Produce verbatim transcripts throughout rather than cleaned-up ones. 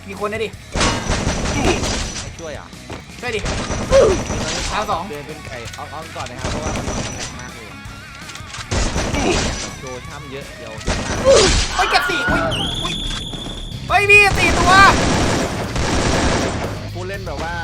มีคนนะดิไม่ช่วยอ่ะช่วยดิดาวสองเดินเป็นไก่อ้อมๆก่อนนะครับเพราะว่ามันแรงมากเลยโชว์ช่ำเยอะเดี๋ยวเฮ้ยเก็บสี่อุ้ยอุ้ยเฮ้ยพี่สี่ตัวผู้เล่นแบบว่า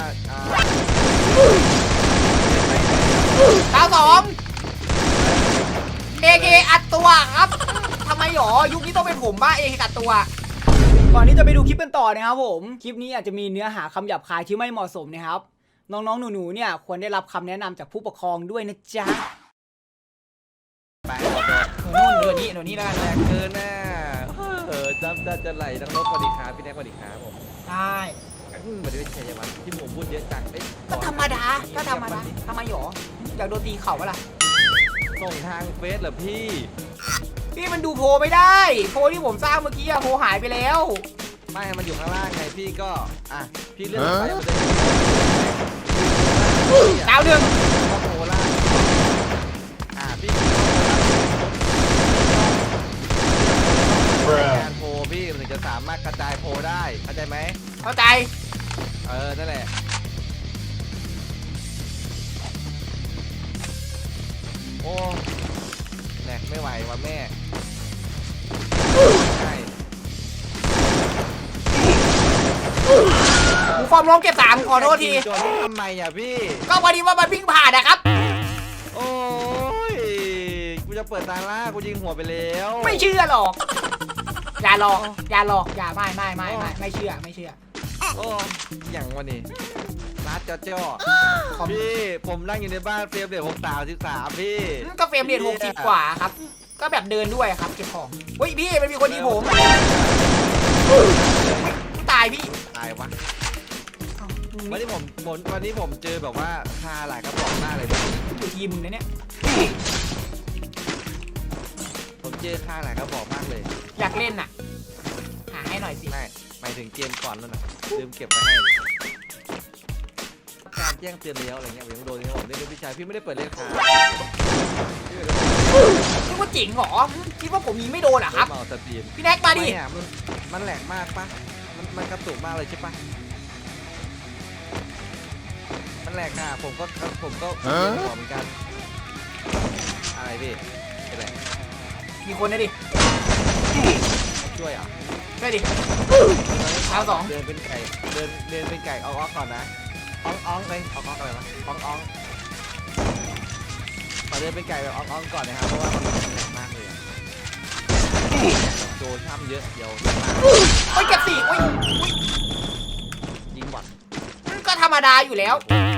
ดาวสองเอเคอัดตัวครับทำไมหรอยุคนี้ต้องเป็นผมบ้าเอเคอัดตัวก่อนที่จะไปดูคลิปกันต่อนะครับผมคลิปนี้อาจจะมีเนื้อหาคำหยาบคายที่ไม่เหมาะสมนะครับน้องๆหนูๆเนี่ยควรได้รับคำแนะนำจากผู้ปกครองด้วยนะจ๊ะไปโดดนู่นเดือนนี้เดือนนี้แล้วกันแรงเกินน่ะเออจำจะจะไหลทั้งนกสวัสดีครับพี่แน็กสวัสดีครับผมได้เหมือนเป็นชัยวัฒน์ที่ผมพูดเยอะจังก็ธรรมดาก็ธรรมดาทำไมหรออยากโดนตีเข่าปะล่ะส่งทางเฟซเหรอพี่พี่มันดูโพลไม่ได้โพลที่ผมสร้างเมื่อกี้อะโพลหายไปแล้วไม่มันอยู่ข้างล่างไงพี่ก็อ่ะพี่เลื่อนไปมันจะดาวหนึ่งก็โพล่างอ่ะพี่การโพพี่ถึงจะสามารถกระจายโพได้เข้าใจไหมเข้าใจเออนั่นแหละโอ้แหลกไม่ไหวว่ะแม่ใช่หมูฟอร์มล้มเก็บสามขอโทษทีจนทำไมอ่ะพี่ก็พอดีว่ามันวิ่งผ่านนะครับโอ้ยกูจะเปิดตาล่ากูยิงหัวไปแล้วไม่เชื่อหรอกอย่าหลอกอย่าหลอกอย่าไม่ไม่ไม่ไม่ไม่เชื่อไม่เชื่อโอ้อย่างวันนี้รัดเจ้าพี่ผมนั่งอยู่ในบ้านเฟรมเรทหกสามสิบสามพี่ก็เฟรมเรทหกสิบกว่าครับก็แบบเดินด้วยครับเก็บของเฮ้ยพี่มันมีคนยิงผมตายพี่ตายวะวันนี้ผมวันนี้ผมเจอแบบว่าคาหลายกระบอกหน้าเลยอยู่ทีมมึงนะเนี่ยผมเจอคาหลายกระบอกมากเลยอยากเล่นน่ะหาให้หน่อยสิไม่หมายถึงเกมก่อนแล้วนะลืมเก็บไว้ให้เลยการแจ้งเตือนแล้วอะไรเงี้ยผมยังโดนที่ผมเล่นพี่ชายพี่ไม่ได้เปิดเล่นคาคิดว่าจริงเหรอคิดว่าผมยิงไม่โดนเหรอครับพี่แน็กมาดิมันมันแหลกมากปะมันมันกระตุกมากเลยใช่ปะมันแหลกอ่ะผมก็ผมก็หัวเหมือนกันอะไรพี่อะไรมีคนนะดิช่วยอ่ะช่วยดิดาวสองเดินเป็นไก่เดินเดินเป็นไก่เอาออกก่อนนะอ้องอ้องเลยเอาออกอะไรวะอ้องอ้องขอเดินเป็นไก่แบบอ้องอ้องก่อนนะครับเพราะว่ามันแรงมากเลยโจช่ำเยอะเดี๋ยวโอ้ยเก็บสี่โอ้ยยิงบอลก็ธรรมดาอยู่แล้ว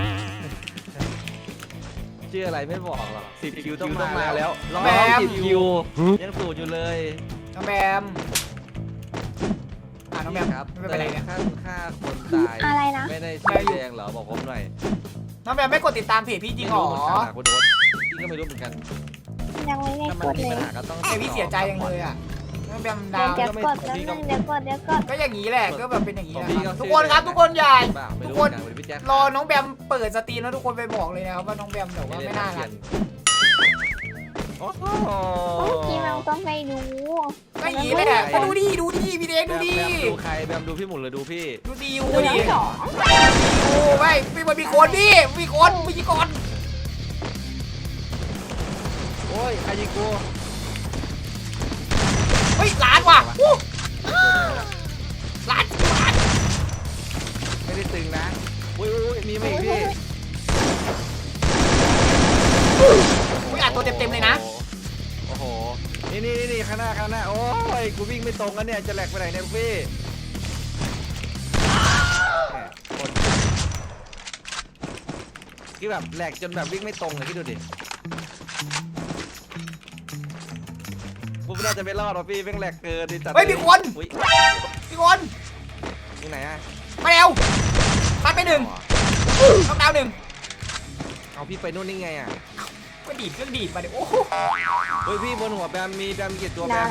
ชื่ออะไรไม่บอกหรอกสิบคิวต้องมาแล้วแบมสิบคิวยังสูดอยู่เลยน้องแบมอ่าน้องแบมครับไม่เป็นไรเนี่ยค่าค่าคนตายอะไรนะไม่ได้ชี้แจงเหรอบอกผมหน่อยน้องแบมไม่กดติดตามเพจพี่จริงหรอคุณโดนพี่ก็ไม่รู้เหมือนกันยังไม่ได้กดเลยไอพี่เสียใจยังเลยอ่ะน้องแบมดาวเดี๋ยวกดแล้วนึงเดี๋ยวกดเดี๋ยวกดก็อย่างนี้แหละก็แบบเป็นอย่างนี้แหละทุกคนครับทุกคนใหญ่ทุกคนรอน้องแบมเปิดสตรีมแล้วทุกคนไปบอกเลยนะครับว่าน้องแบมแต่ว่าไม่น่ารักโอ้โหพี่แมวต้องไปดูก็อย่างนี้แหละก็ดูดิดูดิพี่เด็กดูดิดูใครแบมดูพี่หมุนเลยดูพี่ดูดิดูดิโอ้ไม่พี่มันมีคนพี่มีคนมีคนโอ้ยใครยิงกูเฮ้ยล้านว่ะล้านล้านไม่ได้ตึงนะอุ้ยอุ้ยมีไหมพี่อุ้ยอัดตัวเต็มๆเลยนะโอ้โหนี่นี่นี่ข้างหน้าข้างหน้าโอ้ยกูวิ่งไม่ตรงกันเนี่ยจะแหลกไปไหนเนี่ยพี่คือแบบแหลกจนแบบวิ่งไม่ตรงเลยคิดดูดิกูไม่น่าจะไม่รอดหรอกพี่เพิ่งแหลกเกินดิจัดเฮ้ยมีคนมีคนที่ไหนอะมาเร็วตัดไปหนึ่งต้องดาวหนึ่งเอาพี่ไปนู่นนี่ไงอะก็ดีดเครื่องดีดมาเดี๋ยวโอ้โหเฮ้ยพี่บนหัวแบมมีแบมกี่ตัวแบม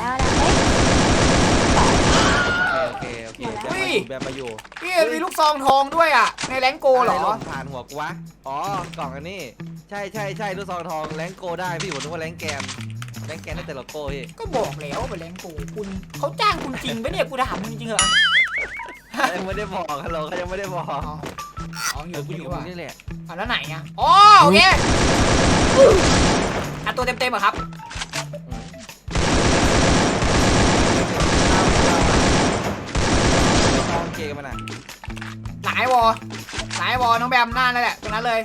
โอเคโอเคโอเคแบมมาอยู่พี่มีลูกซองทองด้วยอ่ะในแรงโกเหรอผ่านหัวกูวะอ๋อกล่องอันนี้ใช่ใช่ใช่ลูกซองทองแรงโกได้พี่ผมนึกว่าแรงแกนแรงแกนได้แต่ละโก้พี่ก็บอกแล้วเป็นแรงโกคุณเขาจ้างคุณจริงปะเนี่ยกูถามมึงจริงเหรอเขายังไม่ได้บอกฮัลโหลเขายังไม่ได้บอกอ๋ออ๋ออเอยู่ อกูอยู่นี่กับว่ะมึงนี่แหละอ่ะแล้วไหนอ่ะอ๋อโอเคอัดตัวเต็มๆเหรอครับลองเกมมันอ่ะหลายวอหลายวอน้องแบมหน้านั่นแหละตรงนั้นเลย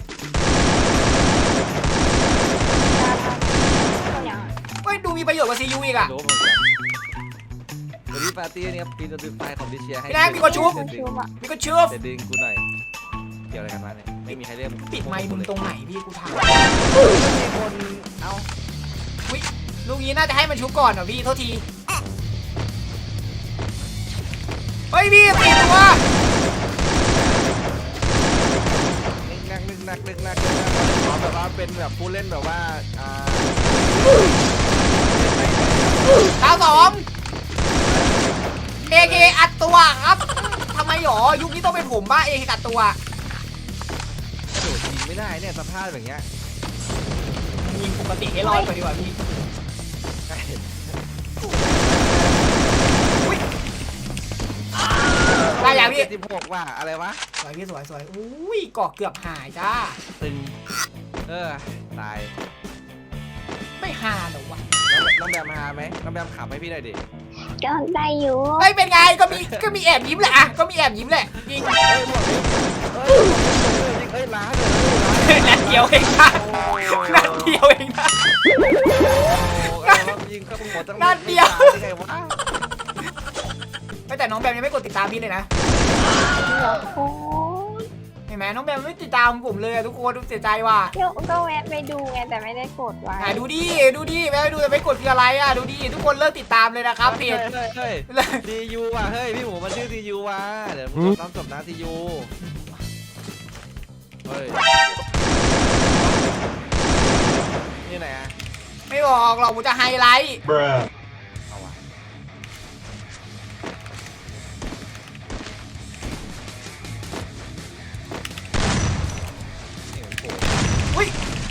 ตัวอย่างเฮ้ยดูมีประโยชน์กว่าซียูอีกอ่ะรู้เหมือนกันวันนี้ปาร์ตี้นี้ครับปีนตัวไฟของดิเชียให้พี่แรกมีคนชุบคนชูบอ่ะมีก็เชื่อแต่ดึงกูหน่อยเกี่ยวอะไรกันมาเนี่ยไม่มีใครเรียกปิดไมค์มึงตรงไหนพี่กูถามมีคนเอาวิลูกนี้น่าจะให้มันชุบก่อนเหรอพี่โทษทีเฮ้ยพี่ตีตัวนึกนักนึกนักนึกนักนึกนักขอแบบว่าเป็นแบบผู้เล่นแบบว่าอ่าดาวสองเอเคอัดตัวครับทำไมหรอยุคนี้ต้องเป็นผมบ้าเอเคอัดตัวโดดยิงไม่ได้เนี่ยสภาพแบบเนี้ยยิงปกติให้รอดไปดีกว่าพี่ใช่อุ้ยได้อย่างพี่เจ็ดสิบหกว่ะอะไรวะสวยพี่สวยสวยอุ้ยเกาะเกือบหายจ้าตึงเออตายไม่หาหรอวะน้องน้องแบมมาไหมน้องแบมขับให้พี่หน่อยดิก็ได้อยู่เฮ้ยเป็นไงก็มีก็มีแอบยิ้มแหละอะก็มีแอบยิ้มแหละจริงเฮ้ยหมดเลยเฮ้ยเฮ้ยล้าเลยนัดเดียวเองนะนัดเดียวเองนะยิงเข้าหัวตั้งนัดเดียวได้ไงวะแต่น้องแบมยังไม่กดติดตามพี่เลยนะโอ้ยเห็นไหมน้องแบมไม่ติดตามผมเลยอะทุกคนดูเสียใจว่ะเดี๋ยวก็แวะไปดูไงแต่ไม่ได้กดไว้อ่ะดูดิดูดิแม่ดูแต่ไม่กดคืออะไรอ่ะดูดิทุกคนเลิกติดตามเลยนะครับเพจเฮ้ยเฮ้ยทียูว่ะเฮ้ยพี่หมูมันชื่อทียูว่ะเดี๋ยวน้ำจบนะทียูเฮ้ยนี่ไหนอะไม่บอกหรอกผมจะไฮไลท์เอาวะนี่มันโผล่อุ้ย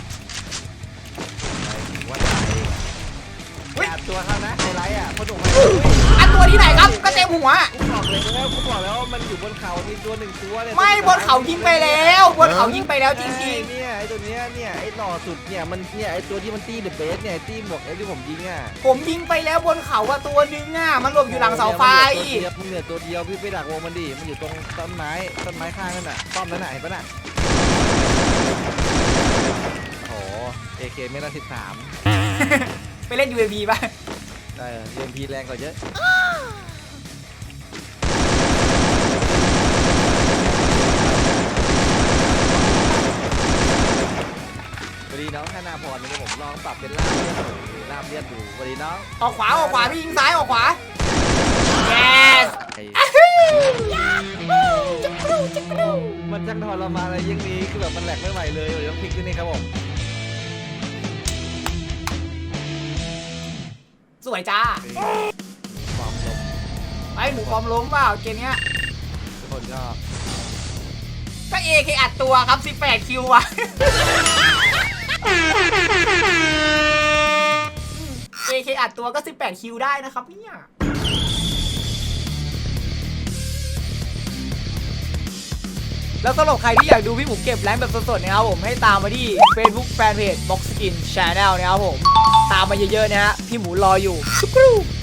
ว่าตายเฮ้ยแปดตัวเท่านะไฮไลท์อ่ะพอดุมาอันตัวที่ไหนครับก็เต็มหัวกูบอกเลยแล้วกูบอกแล้วมันอยู่บนเขามีตัวหนึ่งตัวเนี่ยไม่บนเขายิงไปแล้วบนเขายิงไปแล้วจริงเนี่ยไอตัวเนี้ยเนี่ยไอหล่อสุดเนี่ยมันเนี่ยไอตัวที่มันตีเดอะเบสเนี่ยตีหมวกไอที่ผมยิงอ่ะๆผมยิงไปแล้วบนเขาว่าตัวนึงอ่ะมันหลบอยู่หลังเสาไฟมึงเหลือตัวเดียวพี่ไปดักวงมันดิมันอยู่ตรงต้นไม้ต้นไม้ข้างนั่นน่ะป้อมนั่นน่ะเห็นปะน่ะโอ้โหเอเคเมตรสิบสามไปเล่น ยู เอ บี ป่ะเออเรียนพีแรงกว่าเยอะสวัสดีน้องธนาพรวันนี้ผมลองปรับเป็นลาบเลือดดูลาบเลือดดูสวัสดีน้องออกขวาออกขวาพี่ยิงซ้ายออกขวา yes ไอ้มันจังทรมานอะไรอยังนี้คือแบบมันแหลกไม่ไหวเลยเดี๋ยวต้องพลิกที่นี่ครับผมสวยจ้าฟอร์มลมไอ้หมูฟอร์มล้มเปล่าเกมเนี้ยทุกคนก็ก็เอเคอัดตัวครับสิบแปดคิวว่ะ เอเคอัดตัวก็สิบแปดคิวได้นะครับเนี่ย แล้วสำหรับใครที่อยากดูพี่หมูเก็บแรงค์แบบสดๆนะครับผมให้ตามมาที่ Facebook Fanpage Box Skin Channel นะครับผม ตามมาเยอะๆนะฮะพี่หมูรออยู่